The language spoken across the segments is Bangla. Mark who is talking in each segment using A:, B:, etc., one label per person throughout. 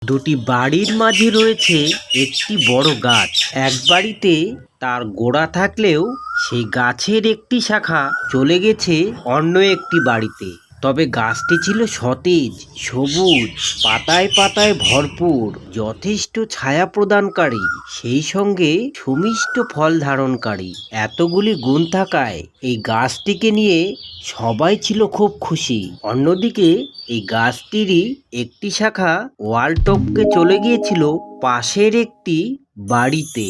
A: দুটি বাড়ির মাঝে রয়েছে একটি বড় গাছ। এক বাড়িতে তার গোড়া থাকলেও সেই গাছের একটি শাখা চলে গেছে অন্য একটি বাড়িতে। তবে গাছটি ছিল সতেজ, সবুজ, পাতায় পাতায় ভরপুর, যথেষ্ট ছায়া প্রদানকারী, সেই সঙ্গে সুমিষ্ট ফল ধারণকারী। এতগুলি গুণ থাকায় এই গাছটিকে নিয়ে সবাই ছিল খুব খুশি। অন্যদিকে এই গাছটিরই একটি শাখা ওয়াল টপকে চলে গিয়েছিল পাশের একটি বাড়িতে।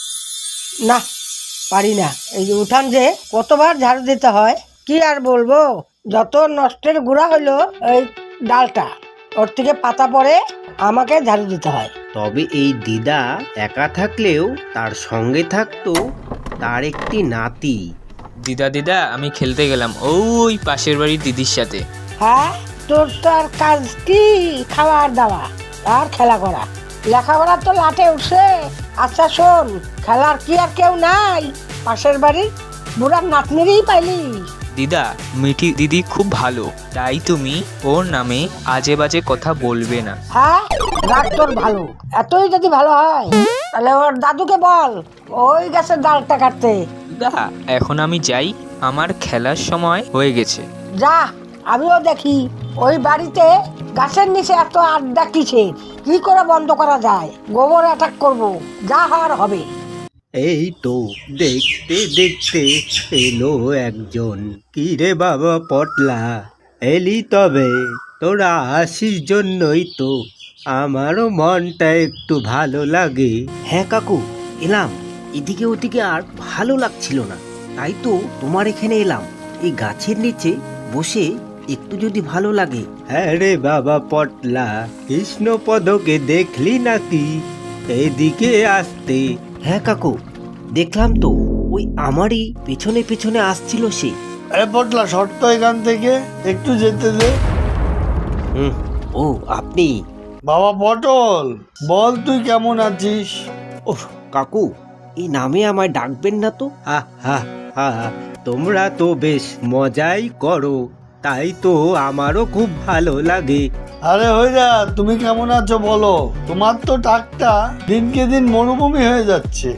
B: না, পারি না। এই যে উঠান যে কতবার ঝাড়ু দিতে হয়, কি আর বলবো। যত নষ্টের গুড়া হইলো এই ডালটা, ওর থেকে পাতা পড়ে আমাকে ঝাড়ু দিতে হয়।
A: তবে এই দিদা একা থাকলেও তার সঙ্গে থাকতো তার একটি নাতি।
C: দিদা দিদা আমি খেলতে গেলাম ওই পাশের বাড়ির দিদির সাথে।
B: হ্যাঁ, তোর তো আর কাজ কি? খাওয়ার দাওয়া আর খেলা করা। লেখাপড়া তো লাটে উঠছে। আচ্ছা শোন, খেলার কি আর কেউ নাই? পাশের বাড়ির বুড়ার নাতনিরই পাইলি।
C: দিদা, মিঠি দিদি খুব ভালো, তাই তুমি ওর নামে আজে বাজে কথা বলবে না।
B: হ্যাঁ, রাগ তোর ভালো। এতই যদি ভালো হয় তাহলে ওর দাদুকে বল ওই গাছের ডালটা কাটতে।
C: দিদা, এখন আমি যাই, আমার খেলার সময় হয়ে গেছে।
B: যা, আমিও দেখি ওই বাড়িতে গাছের নিচে এত আড্ডা কিসের, কি করে বন্ধ করা যায়। গোবর অ্যাটাক করব, যা হওয়ার হবে।
A: এই তো দেখতে দেখতে এলো একজন। কি রে বাবা পটলা, এলি তবে? তোরা আসিস জন্যই তো আমারও মনটা একটু ভালো লাগে। হ্যাঁ কাকু, এলাম। এদিকে ওদিকে আর ভালো লাগছিল না, তাই তো তোমার এখানে এলাম। এই গাছের নিচে বসে একটু যদি ভালো লাগে। হ্যাঁ রে বাবা পটলা, কৃষ্ণপদকে দেখলি নাকি এদিকে আসতে? হ্যাঁ কাকু, দেখলাম তো, ওই আমারই পেছনে পেছনে আসছিল সে।
D: আরে পটলা, শর্ত এখান থেকে একটু যেতে দে।
A: ও আপনি?
D: বাবা পটল, বল তুই কেমন আছিস?
A: ওহ কাকু, এই নামে আমায় ডাকবেন না তো। হা হা হা, তোমরা তো বেশ মজাই করো, তাই তো আমারও খুব ভালো লাগে।
D: আরে হইরা, তুমি কেমন আছো বলো? তোমার তো টাকটা দিনকে দিন মরুভূমি হয়ে যাচ্ছে।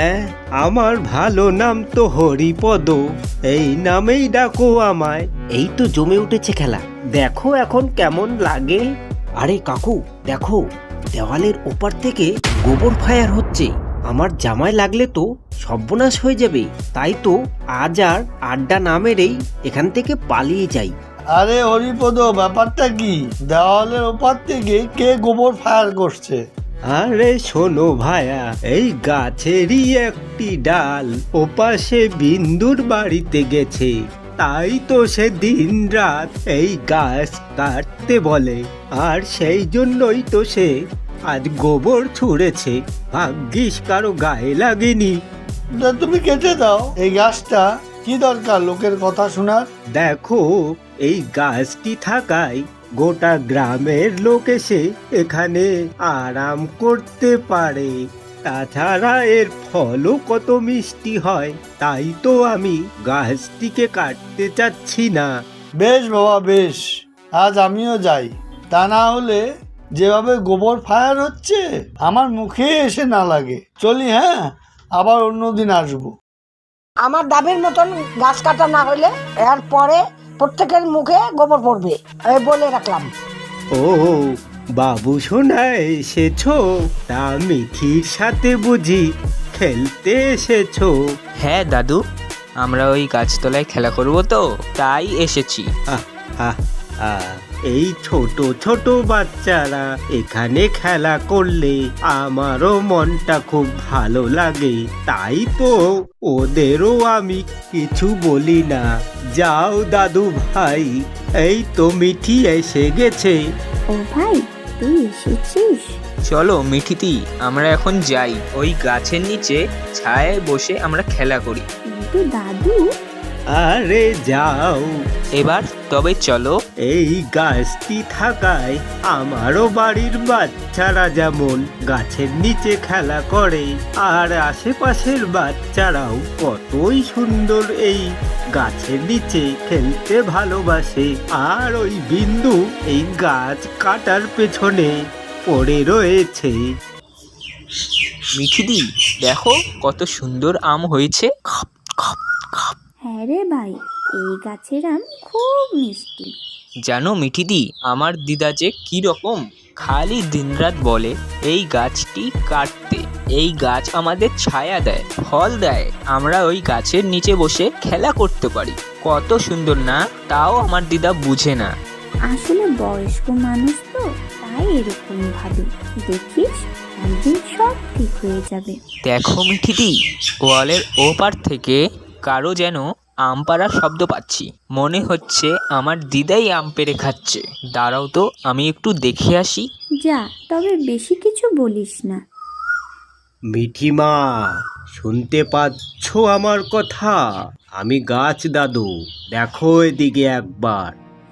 A: আমার ভালো নাম তো হরিপদ, এই নামেই ডাকো আমায়। এই তো জমে উঠেছে খেলা, দেখো এখন কেমন লাগে। আরে কাকু দেখো, দেওয়ালের ওপার থেকে গোবর ফায়ার হচ্ছে। আমার জামাই লাগলে তো সর্বনাশ হয়ে যাবে, তাই তো আজ আর আড্ডা না মেরেই এখান থেকে পালিয়ে যাই।
D: আরে হরিপদ, ব্যাপারটা কি? দেওয়ালের ওপার থেকে কে গোবর ফায়ার করছে?
A: আরে শোনো ভায়া, এই গাছেরই একটি ডাল ওপাশে বিন্দুর বাড়িতে গেছে, তাই তো সে দিন রাত এই গাছ কাটতে বলে, আর সেই জন্যই তো সে আজ গোবর ছুঁড়েছে। ভাগ্যিস কারো গায়ে লাগেনি।
D: তা তুমি কেটে দাও এই গাছটা, কি দরকার লোকের কথা শোনার?
A: দেখো, এই গাছটি থাকায় গোটা গ্রামের লোক এসে এখানে আরাম করতে পারে। তাছাড়া এর ফলও কত মিষ্টি হয়, তাই তো আমি গাছটিকে কাটতে চাচ্ছি না।
D: বেশ বাবা বেশ, আজ আমিও যাই। তা না হলে যেভাবে গোবর ফায়ার হচ্ছে আমার মুখে এসে না লাগে। চলি, হ্যাঁ, আবার অন্যদিন আসবো।
B: আমার দাবির মতন গাছ কাটা না হইলে এর পরে প্রত্যেকের মুখে গোবর পড়বে, এই বলে রাখলাম।
A: ও বাবু সোনা এসেছো? তা মিঠির সাথে বুঝি খেলতে এসেছো?
C: হ্যাঁ দাদু, আমরা ওই গাছতলায় খেলা করব তো, তাই এসেছি।
A: আহ, আহ, আহ, এই ছোট ছোট বাচ্চারা এখানে খেলা করলে আমারও মনটা খুব ভালো লাগে, তাই তো ওদেরও আমি কিছু বলি না। যাও দাদু ভাই, এই তো মিঠি এসে গেছে।
E: ও ভাই, তুই এসেছিস?
C: চলো মিঠিতি, আমরা এখন যাই, ওই গাছের নিচে ছায়ায় বসে আমরা খেলা করি।
E: কিন্তু দাদু,
A: আরে যাও,
C: এবার তবে চলো।
A: এই গাছটি থাকায় আমারও বাড়ির বাচ্চারা যেমন গাছের নিচে খেলা করে, আর আশেপাশের বাচ্চারাও কতই সুন্দর এই গাছের নিচে খেলতে ভালোবাসে। আর ওই বিন্দু এই গাছ কাটার পেছনে পড়ে রয়েছে।
C: মিঠিদি, দেখো কত সুন্দর আম হয়েছে।
E: হ্যাঁ রে ভাই, এই গাছের আম খুব মিষ্টি।
C: জানো মিঠিদি, আমার দিদা যে কি রকম খালি দিনরাত বলে এই গাছটি কাটতে। এই গাছ আমাদের ছায়া দেয়, ফল দেয়, আমরা ওই গাছের নিচে বসে খেলা করতে পারি। কত সুন্দর না? তাও আমার দিদা বুঝে না।
E: আসলে বয়স্ক মানুষ তো, তাই এরকম ভাবে। দেখিস, একদিন সব ঠিক হয়ে যাবে।
C: দেখো মিঠিদি, ওয়ালের ওপার থেকে কারো যেন আম পাড়ার শব্দ পাচ্ছি। মনে হচ্ছে আমার দিদাই আম পেড়ে খাচ্ছে। দাঁড়াও তো, আমি একটু দেখে আসি।
E: যা, তবে বেশি কিছু বলিস না।
A: মিঠিমা, শুনতে পাচ্ছ আমার কথা? আমি গাছ দাদু, দেখো এদিকে একবার।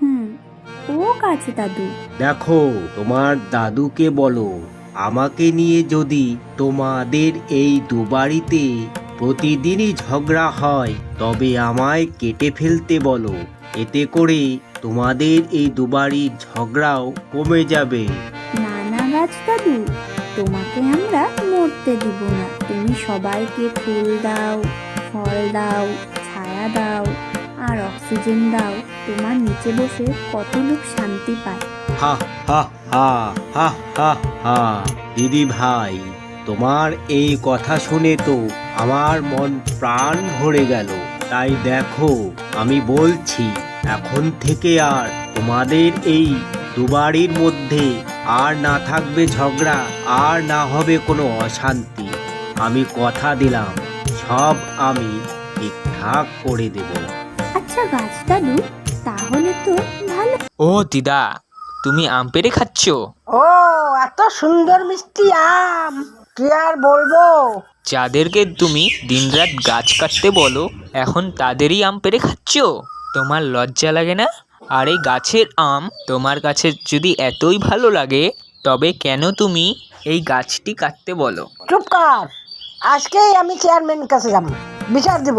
E: ও গাছ দাদু,
A: দেখো, তোমার দাদুকে বলো আমাকে নিয়ে যদি তোমাদের এই দুবাড়িতে প্রতিদিনই ঝগড়া হয় তবে আমায় কেটে ফেলতে বলো। এতে করে তোমাদের এই দুবাড়ির ঝগড়াও কমে যাবে।
E: না না গাছ দাদু, তোমাকে আমরা মরতে দিব না। তুমি সবাইকে ফুল দাও, ফল দাও, ছায়া দাও আর অক্সিজেন দাও। তোমার নিচে বসে কত লোক শান্তি পায়।
A: হা হা হা হা হা হা। দিদি ভাই, তোমার এই কথা শুনে তো আমার মন প্রাণ ভরে গেল। তাই দেখো, আমি বলছি এখন থেকে আর তোমাদের এই দুবাড়ির মধ্যে আর না থাকবে ঝগড়া, আর না হবে কোনো অশান্তি। আমি কথা দিলাম, সব আমি ঠিকঠাক করে দেব।
E: আচ্ছা গাছ দাদু, তাহলে তো ভালো।
C: ও দিদা, তুমি আম পেড়ে খাচ্ছ?
B: ও, এত সুন্দর মিষ্টি আম, কি আর বলবো।
C: যাদেরকে তুমি দিনরাত গাছ কাটতে বলো, এখন তাদেরই আম পেড়ে খাচ্ছ? তোমার লজ্জা লাগে না? আর এই গাছের আম তোমার কাছে যদি এতই ভালো লাগে, তবে কেন তুমি এই গাছটি কাটতে বলো?
B: চুপ কর, আজকেই আমি চেয়ারম্যানের কাছে যাব, বিচার দেব।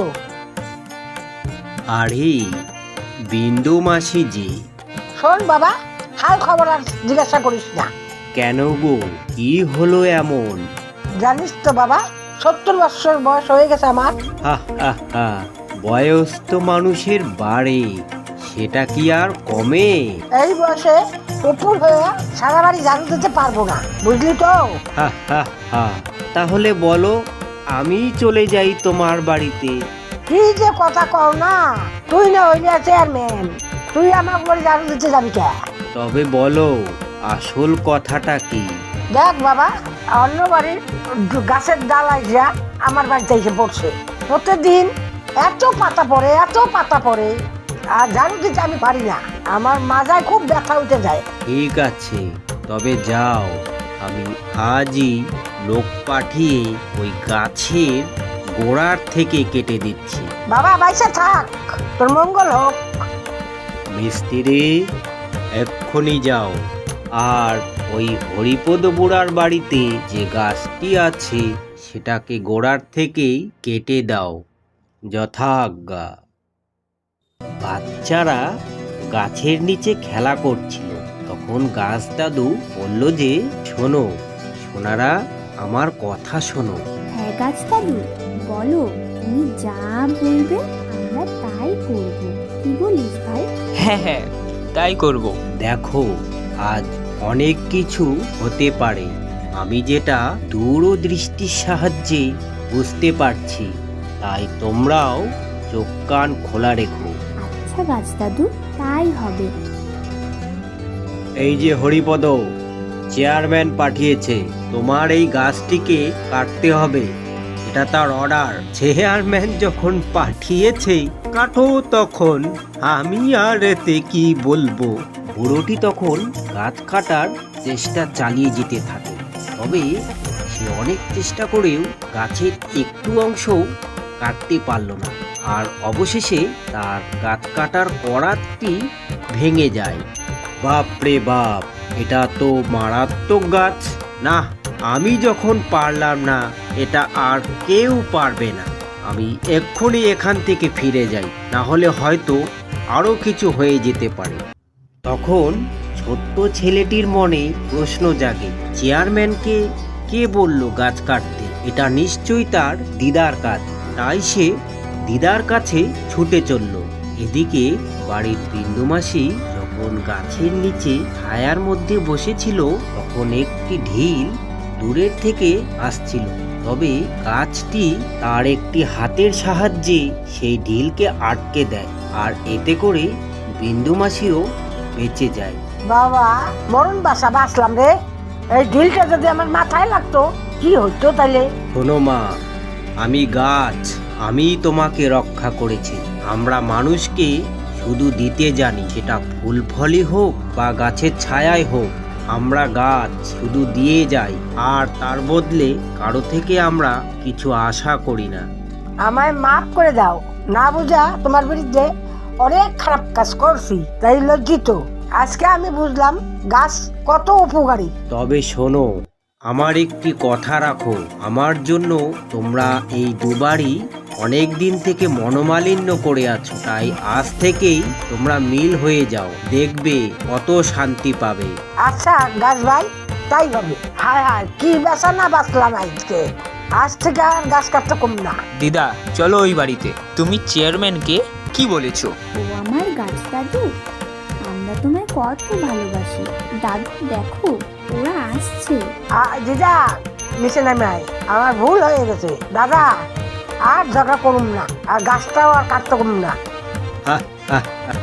A: আরে বিন্দু মাসি জি।
B: শোন বাবা, হাল খবর আর জিজ্ঞাসা করিস না।
A: কেন গো, কি হলো এমন?
B: জানিস তো বাবা, 70 বছর বয়স হয়ে গেছে আমার।
A: হা হা হা। বয়স তো মানুষের বাড়ে, সেটা কি আর কমে?
B: এই বয়সে উপর হয়ে সারা বাড়ি ঝাড়ু দিতে পারবো না, বুঝলি তো।
A: হা হা হা। তাহলে বলো, আমি চলে যাই তোমার বাড়িতে।
B: কি যে কথা কও না, তুই না হইলি চেয়ারম্যান, তুই আমার বাড়ি ঝাড়ু দিতে যাবি কে?
A: তবে বলো, আসল কথাটা কি?
B: দেখ বাবা, অন্য বাড়ির গাছের ডাল আইসা আমার বাড়িতে এসে পড়ছে। প্রতিদিন এত পাতা পড়ে, এত পাতা পড়ে, আর ঝাড়ু দিতে আমি পারি না। আমার মাজায় খুব ব্যথা উঠে যায়।
A: ঠিক আছে, তবে যাও, আমি আজই লোক পাঠিয়ে ওই গাছের গোড়ার থেকে কেটে দিচ্ছি।
B: বাবা বাইসা থাক, তোর মঙ্গল হোক।
A: মিস্ত্রি, এক্ষুনি যাও আর ওই হরিপদ বুড়ার বাড়িতে যে গাছটি আছে সেটাকে গোড়ার থেকেই কেটে দাও, যথাজ্ঞা। বাচ্চারা গাছের নিচে খেলা করছিল, তখন গাছ দাদু বলল যে, শোনো সোনারা, আমার কথা শোনো।
E: হ্যাঁ গাছ দাদু, বলো, তুমি যা বলবে আমরা তাই করব। কি বলিস ভাই?
C: হ্যাঁ হ্যাঁ, তাই করব।
A: দেখো, আজ অনেক কিছু হতে পারে, আমি যেটা দূরদৃষ্টির সাহায্যে বুঝতে পারছি। তাই তোমরাও চোখ কান খোলা রেখো।
E: আচ্ছা গাছ দাদু, তাই হবে।
A: এই যে হরিপদ, চেয়ারম্যান পাঠিয়েছে, তোমার এই গাছটিকে কাটতে হবে, এটা তার অর্ডার। চেয়ারম্যান যখন পাঠিয়েছে কাটো, তখন আমি আর এতে কি বলবো। বুড়োটি তখন গাছ কাটার চেষ্টা চালিয়ে যেতে থাকে, তবে সে অনেক চেষ্টা করেও গাছের একটু অংশও কাটতে পারল না। আর অবশেষে তার গাছ কাটার করাতটি ভেঙে যায়। বাপ রে বাপ, এটা তো মারাত্মক গাছ। না, আমি যখন পারলাম না, এটা আর কেউ পারবে না। আমি এক্ষুনি এখান থেকে ফিরে যাই, না হলে হয়তো আরো কিছু হয়ে যেতে পারে। তখন ছোট্ট ছেলেটির মনে প্রশ্ন জাগে, চেয়ারম্যানকে কে বলল গাছ কাটতে? এটা নিশ্চয়ই তার দিদার কাজ। তাই সে দিদার কাছে ছুটে চলল। এদিকে বাড়ির বিন্দুমাসি যখন গাছের নিচে ছায়ার মধ্যে বসেছিল, তখন একটি ঢিল দূরের থেকে আসছিল। তবে গাছটি তার একটি হাতের সাহায্যে সেই ঢিলকে আটকে দেয়, আর এতে করে বিন্দুমাসিও বেঁচে যায়।
B: বাবা, মরণ বাসা বাঁচলাম রে। এই ঢিলটা যদি আমার মাথায় লাগতো কি হইতো তাইলে?
A: শোনো মা, আমি গাছ, আমি তোমাকে রক্ষা করেছি। আমরা মানুষকে শুধু দিতে জানি, সেটা ফুল ফলই হোক বা গাছের ছায়াই হোক। আমরা গাছ শুধু দিয়ে যাই, আর তার বদলে কারো থেকে আমরা কিছু আশা করি না।
B: আমায় মাফ করে দাও, না বুঝা তোমার বিরুদ্ধে অনেক খারাপ কাজ করছি, তাই লজ্জিত। আজকে আমি বুঝলাম গাছ কত উপকারী।
A: তবে শোনো, আমার একটি কথা রাখো, আমার জন্য তোমরা এই দুবারই অনেক দিন থেকে মনোমালিন্য করে আছো, তাই আজ থেকেই তোমরা মিল হয়ে যাও, দেখবে কত শান্তি পাবে।
B: আচ্ছা গাছ ভাই, তাই হবে। হায় হায়, কি বেচা না বাঁচলাম আজকে। আজ থেকে আর গাছ কাটতে কম না।
C: দিদা চলো ওই বাড়িতে। তুমি চেয়ারম্যানকে কি বলেছো?
E: ও আমার গাছ দাদু, আমরা তোমায় কত ভালোবাসি। দাদু দেখো, ওরা আসছে।
B: দিদা নিচে নামে আয়, আমার ভুল হয়ে গেছে। দাদা আর ঝগড়া করুম না, আর গাছটাও আর কাটতে কম না।
A: হা, হা, হা।